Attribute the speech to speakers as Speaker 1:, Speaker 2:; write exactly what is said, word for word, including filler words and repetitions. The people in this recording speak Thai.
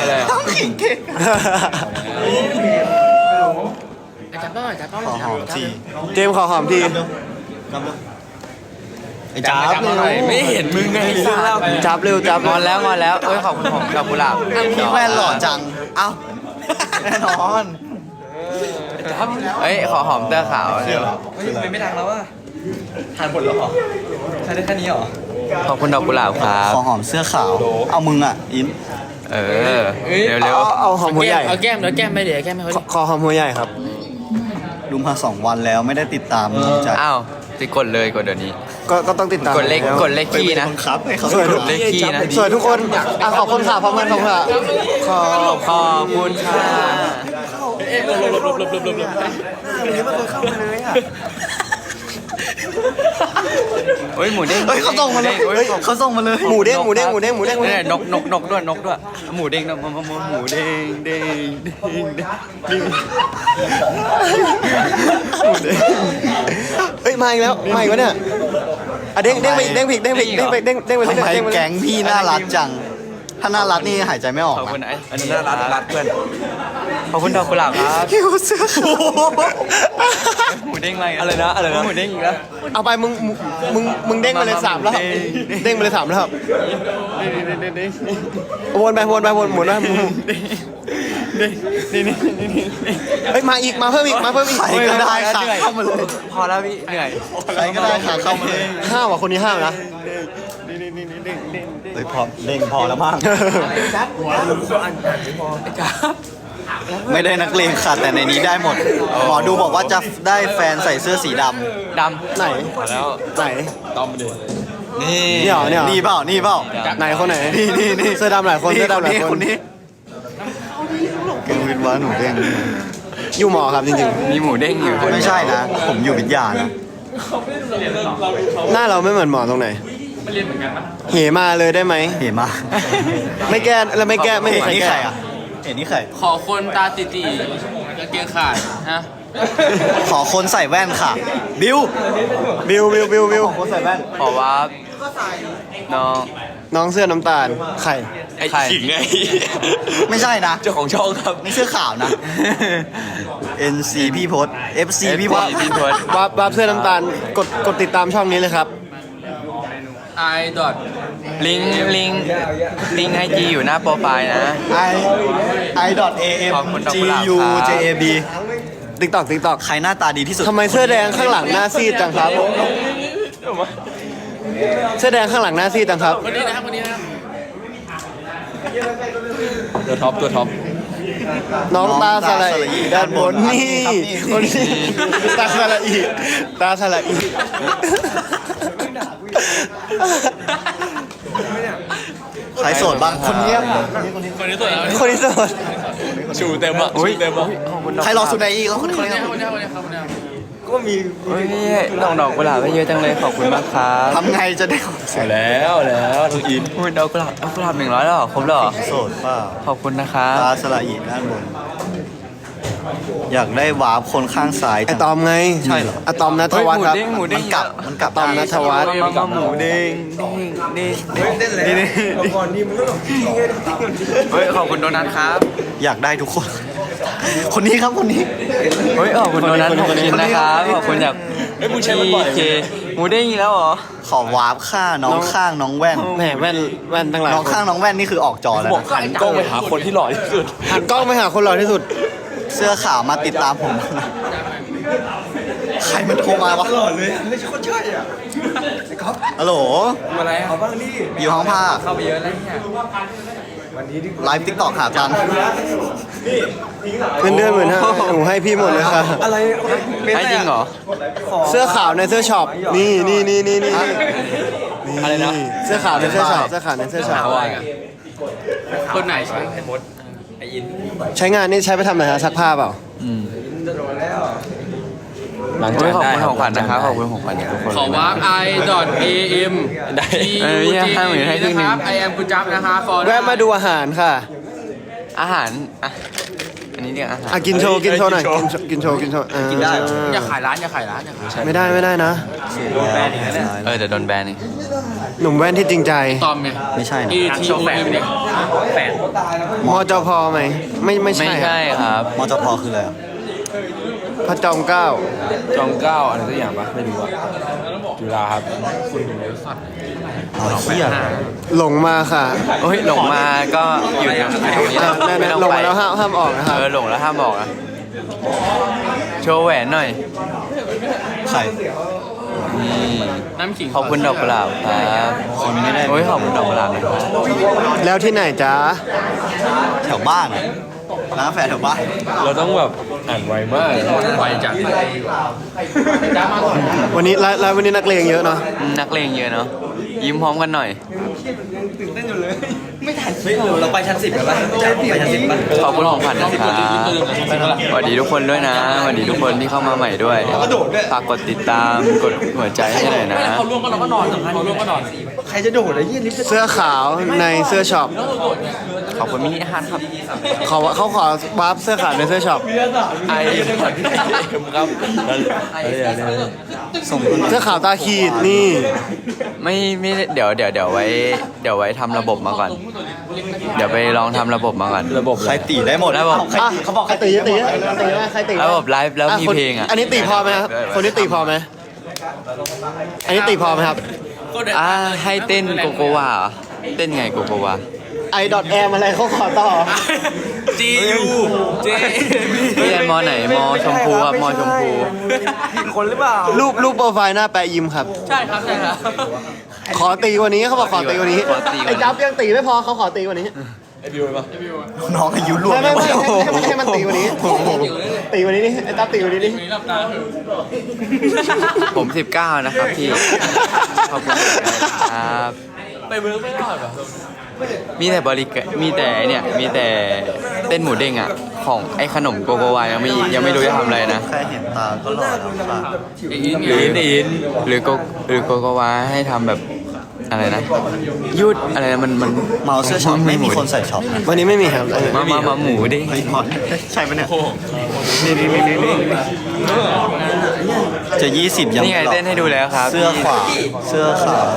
Speaker 1: อะไรอ่ะ
Speaker 2: จับต้อยจับต้อย
Speaker 3: ขอหอมที
Speaker 4: เจมส์ขอหอมที
Speaker 3: ไอ้จ้าบ
Speaker 1: ไม่เห็นมึงไงเรื่องเล่า
Speaker 4: จับเร็วจับ
Speaker 2: งอนแล้วงอนแล้วเอ้ยขอบคุณผมดอกกุหลาบ
Speaker 3: พี่แว่นหล่อจังเอ้าแน่นอน
Speaker 2: เอ้ยขอหอมเสื้อขาวเร็ว
Speaker 1: ไม่ไม่ดังแล้วอ่ะทานหมดแล้วเหรอใช้ได้แค่นี้เหรอ
Speaker 2: ขอบคุณดอกกุหลาบครับ
Speaker 3: ขอหอมเสื้อขาวเอามึงอ่ะอิน
Speaker 2: เออเร็วเร็ว
Speaker 4: เอาเอาหอมหัวใหญ่
Speaker 5: เอาแก้มเดี๋ยวแก้มไม่เดี๋ยวแก้มไม่เขา
Speaker 4: ขอขอหอมหัวใหญ่ครับ
Speaker 3: ดูมาสองวันแล้วไม่ได้ติดตามน้องใจ
Speaker 2: อ้าวติกดเลยกดเดี๋ยวนี้
Speaker 4: ก็ก็ต้องติดตาม
Speaker 2: กดเลขกดเลขขี้นะ
Speaker 3: บังคับให้เขา
Speaker 4: สวยทุก
Speaker 2: เลขขี้นะ
Speaker 4: สวยทุกคนอ่ะขอบคุณค่ะพร้อมกันขอบคุณค่ะขอ
Speaker 2: ขอบคุณค่ะ
Speaker 5: เอ๊ะหลบหลบหลบหลบหลบหลบหลบ
Speaker 2: เฮ้ยหมูเด้ง
Speaker 3: เฮ้ยเขาส่งมาเลย
Speaker 2: ฮ้
Speaker 3: เฮ้ยเขาส่งมาเลย
Speaker 4: หมูเด้งหมูเด้งหมูเด้งหมูเด้งหมู
Speaker 2: เนี่
Speaker 4: เด้
Speaker 2: ย
Speaker 4: ง
Speaker 2: นกนกนกด้วยนกด้วยหมูเด้งนกหมูหมูเด้งเด้งเด้งเด้ง
Speaker 4: เฮ้ยมาอีกแล้วมาอีกแล้วเนี่ยอ่ะเด้งเด้งไปอีกเด้งไปอีกเด้งไปอีกเด้งไปเด้งเด้งไปเรื่อย
Speaker 3: ทำไม
Speaker 4: เด้งไปเรื่อย
Speaker 3: แก๊งพี่น่ารักจัง ถ้าน่ารักนี่หายใจไม่ออก
Speaker 2: ขอบคุณ
Speaker 3: นะ
Speaker 2: ไอ้อันนี้น่ารักรักเพื่อนขอบคุณดอกกุหลาบครับ
Speaker 4: คิวเสื้อขาว
Speaker 2: หมูเด้งอะไรอะไรนะอะไรนะหมูเด้งอีกแล้ว
Speaker 4: เอาไปมึงมึงมึงเด้งไปเลยสามรอบเด้งไปเลยสามรอบวนไปวนไปวนหมุนไปหมุนเฮ้ยมาอีกมาเพิ่มอีกมาเพิ่มอีก
Speaker 3: ใครก็ได้ค่ะเข้ามาเลย
Speaker 2: พอแล้วพี่เหนื่อย
Speaker 3: ใครก็ได้ค่ะเข้ามาเลย
Speaker 4: ห้าวอ่ะคนนี้ห้าวนะ
Speaker 3: เฮ้ยพอเด้งพอแล้วมั้งไม่ได้นักเลงค่ะแต่ในนี้ได้หมด หมอดูบอกว่าจะได้แฟนใส่เสื้อสีด
Speaker 2: ด
Speaker 4: ไหน
Speaker 1: แล้ว
Speaker 4: ไหน
Speaker 1: ต้อมไปเลย
Speaker 2: ำนี่
Speaker 4: นี่เหรอเนี่ยเหรอ
Speaker 3: ำนี่เปล่านี่เปล่า
Speaker 4: ไหนคนไหน
Speaker 3: นี่นี่นี่
Speaker 4: เสื้อดำหลายคนเสื้อดำหลายคน
Speaker 3: คนนี้เก่งวิทย์ว่าหนูเด้ง
Speaker 4: อยู่หมอครับจริง
Speaker 2: มีหมูเด้งอยู่คน
Speaker 3: ไม่ใช่นะ ผมอยู่วิทยานะ
Speaker 4: ๆ หน้าเราไม่เหมือนหมอตรงไหนเหมาเลยได้ไหม
Speaker 3: เห็นมา
Speaker 4: ไม่แก้แล้วไม่แก้ไม่มี
Speaker 3: เห็น
Speaker 4: ใคร
Speaker 3: นี่
Speaker 4: แก้
Speaker 3: ใครอ่ะเห็นนี่ใคร
Speaker 5: ขอคนตาติตีกางเกงขาดฮะ
Speaker 3: ขอคนใส่แว่นค่ะ บิว
Speaker 4: บิวบิวบิวบิว
Speaker 3: คนใส่แว่น
Speaker 2: ขอว่าน้อง
Speaker 4: น้องเสื้อน้ำตาลไข่
Speaker 1: ไอ้ขิงไง
Speaker 3: ไม่ใช่นะ
Speaker 1: เจ้าของช่องครับ
Speaker 3: นี่เสื้อขาวนะ เอ็น ซี พี่พศ เอฟ ซี พี่พศ
Speaker 2: พี่พศ
Speaker 4: วับวับเสื้อน้ำตาลกดกดติดตามช่องนี้เลยครับ
Speaker 5: ไอดอท
Speaker 2: ลิงก์ลิงก์ลิงก์ไอจีอยู่หน้าโปรไฟล์นะ
Speaker 3: ไอไอดอทเอเอ็ม
Speaker 2: ขอบคุณดอก
Speaker 3: จี
Speaker 2: กุหลาบ
Speaker 3: ยู
Speaker 2: ครับ
Speaker 3: เจเอบี
Speaker 4: ติ๊กตอกติ๊กตอก
Speaker 3: ใครหน้าตาดีที่สุด
Speaker 4: ทำไมเสื้อแดงข้างหลังหน้าซีดจังครับ เสื้อแดงข้างหลังหน้าซีดจังครับ
Speaker 5: คนนี้นะครับคนนี้นะครับ
Speaker 1: ตัวท็อปตัวท็อป
Speaker 4: น้องตาสละอีด้านบนนี่คนนี้ตาสละอีตาสละอี
Speaker 3: ใครโสดบ้างคนเนี้ย
Speaker 5: คนนี้ตัวเอง
Speaker 4: คนนี้โสด
Speaker 1: ชูเต็มอ่ะชูเต็มอ่ะ
Speaker 3: ใครรอสุดในอีกแล้วคนคน
Speaker 5: คน
Speaker 3: นี้
Speaker 5: นี้คนนี้คนนี้ครับคนนี้
Speaker 2: เฮ้ยดอกดอกกุหลาบให้เยอะจังเลยขอบคุณมากครับ
Speaker 3: ทำไงจะได้คน
Speaker 1: เอาแล้วแล้วน้องอิน
Speaker 2: อุ้ยดอกกุหลาบดอกกุหลาบหนึ่งร้อยแล้วเหรอครบแล้วเหรอ
Speaker 3: โสดเปล่า
Speaker 2: ขอบคุณนะครับ
Speaker 3: ตาสละอีด้านบน อยากได้วาร์ปคนข้างซ้าย
Speaker 4: ไอ
Speaker 3: จัง
Speaker 4: ตอมไง
Speaker 3: ใช่เหรอ
Speaker 4: อะตอมนัท
Speaker 2: เฮ้ย
Speaker 4: วัฒ
Speaker 2: ห
Speaker 4: น์
Speaker 2: มู
Speaker 4: ครับ
Speaker 2: เด้งหมูเด้ง
Speaker 3: มันกลับมันกลับ
Speaker 4: ตอมนัทวัฒน์
Speaker 2: มามาหมูเด้งเด้งเด้งเด้งนี่นี่เฮ้ยขอบคุณโดนัทครับ
Speaker 3: อยากได้ทุกคน คนนี้ครับคนนี้
Speaker 2: เฮ้ยขอบคุณโดนัทขอบคุณนะครับขอบคุณจากพี่เคหมูเด้งอีกแล้วเหรอ
Speaker 3: ขอวาร์ปค่าน้องข้างน้องแว่น
Speaker 4: แหมแว่นแว่นทั้งหลาย
Speaker 3: น้อง
Speaker 4: คน
Speaker 3: ข้างน้องแว่นนี่คือออกจอแล้ว
Speaker 1: บอก
Speaker 3: นะ
Speaker 1: หันกล้องไปหาคนที่หล่อที่สุด
Speaker 4: หันกล้องไปหาคนหล่อที่สุด
Speaker 3: เสื้อขาวมาติดตามผมนะใครมันโทรมาวะหล่อเลยไม่ใช่คนใช่อ่ะฮัลโหล
Speaker 2: อะไรเขาบ้างนี่
Speaker 3: อยู่ห้องผ้า
Speaker 2: เข้าไปเยอะแล้วเนี่ย
Speaker 3: ไลฟ์ติ๊กต็อกหาตังค์
Speaker 4: เงินเดือนหมื่นห้าหนูให้พี่หมดเลยค่ะ
Speaker 2: อะไรให้จริงเหรอ
Speaker 4: เสื้อขาวในเสื้อช็อป นี่นี่นี่นี่นี่
Speaker 1: อะไรนะ
Speaker 4: เสื้อขาวในเสื้อช็อป เสื้อขาวในเสื้อช็อป
Speaker 5: คนไหนใช่
Speaker 4: ใช้งานนี่ใช้ไปทำอะไรฮะซักผ้าเปล่า
Speaker 1: หลัง
Speaker 2: ขอบ
Speaker 1: จาก
Speaker 2: คุณ
Speaker 1: ได้
Speaker 2: ของขวัญนะครับขอบคุณของขวัญทุกคน
Speaker 5: ขอวาร์ปไอดอทเอเอ็ม
Speaker 1: ได้
Speaker 2: เออเนี่ยให้หมื่นให้ครึ่งหนึ่ง
Speaker 5: นะครับไอแอมคุณจับนะคะฟอร์
Speaker 4: แวะมาดูอาหารค่ะ
Speaker 2: อาหารอ่ะอันนี้เรียกอาหาร
Speaker 4: อ่ะกินโชว์ กินโชว์หน่อย กินโชว์กินโชว์ กินโชว์อ่า
Speaker 5: อย่าขายร้านอย่าขายร้านอย่าขาย
Speaker 4: ไม่ได้ไม่ได้นะ
Speaker 2: เออเดี๋ยวโดนแบนอีก
Speaker 4: หนุ่มแว่นที่จริงใจ
Speaker 5: ตอมไง
Speaker 3: ไม่ใช่นะ
Speaker 5: E T O M เนี่ย
Speaker 1: แปด
Speaker 4: มจพไหมไม่ไม่
Speaker 2: ไม่
Speaker 4: ใช่
Speaker 2: ใช่ครับ
Speaker 3: มจพคืออะไรอ่ะ
Speaker 4: พระจอมเกล้า
Speaker 5: จอมเก้าอะไรสักอย่างปะไม่รู้อะจุฬาครับคุณดูเลยสัตว์
Speaker 3: อ๋อเฮีย
Speaker 4: หลงมาค่ะ
Speaker 2: โอ้ยหลงมาก็อยู่อยู่ตรงนี้
Speaker 4: อ่ะ
Speaker 2: แล้ว
Speaker 4: นั่น
Speaker 2: ไม่
Speaker 4: ๆ
Speaker 2: ต้อง
Speaker 4: หลง
Speaker 2: ไป
Speaker 4: มาแล้วห้ามห้ามออกนะครับ
Speaker 2: เออหลงแล้วห้ามบอกนะโชว์แหวนหน่อย
Speaker 3: ใคร
Speaker 2: นี่
Speaker 5: น้ำขิง
Speaker 2: ขอบคุณดอกกุหลาบครับ
Speaker 3: คนไม่ได้
Speaker 2: โอ้ยขอบคุณดอกกุหลาบนะครับ
Speaker 4: แล้วที่ไหนจ๊ะ
Speaker 3: แถวบ้านอะร้านกาแฟแถวบ้าน
Speaker 5: เราต้องแบบอ่านไวมากไวจัด
Speaker 4: วันนี้ไลฟ์ไลฟ์วันนี้นักเลงเยอะเนาะ
Speaker 2: นักเลงเยอะเนาะยิ้มพร้อมกันหน่อย
Speaker 1: ไม่ทันเฮ้ยเราไปชั้นสิบกันปะไปชั้นสิบปะ
Speaker 2: ขอบคุณของขวัญนะครับสวัสดีทุกคนด้วยนะสวัสดีทุกคนที่เข้ามาใหม่ด้วยฝากกดติดตามกดหัวใจให้หน่อยนะ
Speaker 5: เขาล่วงก็เราก็นอนเขาล่วงก็นอน
Speaker 1: ใครจะโดดไอ้เหี้ยลิฟต์จะ
Speaker 4: เสื้อขาวในเสื้อช็อป
Speaker 2: ขอบคุณมินิฮาร์ดครับ
Speaker 4: เขาเขาขอวาร์ปเสื้อขาวในเสื้อช็อป
Speaker 2: ไอคอนครับ
Speaker 3: ส่ง
Speaker 4: เสื้อขาวตาขีดนี่
Speaker 2: ไม่ไม่เดี๋ยวเดี๋ยวเดี๋ยวไว้เดี๋ยวไว้ทำระบบมาก่อน เดี๋ยวไปลองทำระบบมาก่อน
Speaker 3: ระบบใครตีได้หมด
Speaker 2: ระบบ
Speaker 3: ใครตีเขาบอก
Speaker 4: ใครตีตีตีไหมใครตี
Speaker 2: ระบบไลฟ์แล้วมีเพลงอ่ะ
Speaker 4: อันนี้ตีพอไหมครับคนนี้ตีพอไหมอันนี้ตีพอไหมครับ
Speaker 2: อ่าให้เต้นโกโกวาเหรอเต้นไงโกโกวา
Speaker 4: ไอดอทแอมอะไรเขาขอต่อ
Speaker 5: จียูเจ
Speaker 2: เรียนมอไหนมอชมพูครับมอชมพู
Speaker 1: คนหรือเปล่า
Speaker 4: รูปรูปโปรไฟล์หน้าแปะยิ้มครับ
Speaker 5: ใช่ครับใช่ครับ
Speaker 4: ขอตีกว่านี้เขาบอกขอตีกว่านี้
Speaker 2: ขอตีกว่านี้
Speaker 4: ไอ้จับยังตีไม่พอเขาขอตีกว่านี้
Speaker 3: น้องอายุร่วม
Speaker 4: ไม่ไม่ไม่
Speaker 3: โอ้โห
Speaker 4: ให้มันให้มันตีกว่านี้ตีกว่านี้นี่ไอ้จับตีกว่านี้นี่
Speaker 5: มีรับตาคือ
Speaker 2: ผมสิบเก้านะครับพี่ ขอบคุณครับ
Speaker 5: ไปเวิร์กไม่รอดเหรอ
Speaker 2: มีแต่บริการมีแต่ไอ้เนี่ย มีแต่เต้นหมูเด้งอ่ะ ของไอ้ขนมโกโกวายังไม่ยังไม่รู้จะทำอะไรนะ
Speaker 3: แค่เห็นตาก็หล่อแล้วค่ะ
Speaker 5: อิน
Speaker 2: หรือหรือโกหรือโกโกวาให้ทำแบบอะไรนะยืดอะไรนะมันมัน
Speaker 3: เมาเสื้อช็อปไม่มีคนใส่ช็อปนะ
Speaker 4: วันนี้ไม่มีครับ
Speaker 2: มามามาหมูเด้ง
Speaker 3: เฮ้ยหมดใช่ปะเนี่ย
Speaker 4: นี่นี่นี่นี่
Speaker 3: จะยี่สิบยัง
Speaker 2: นี่ไง
Speaker 3: หรอ
Speaker 2: เต้นให้ดูแล้วครับ
Speaker 3: เสื้อขวาเสื้อขาว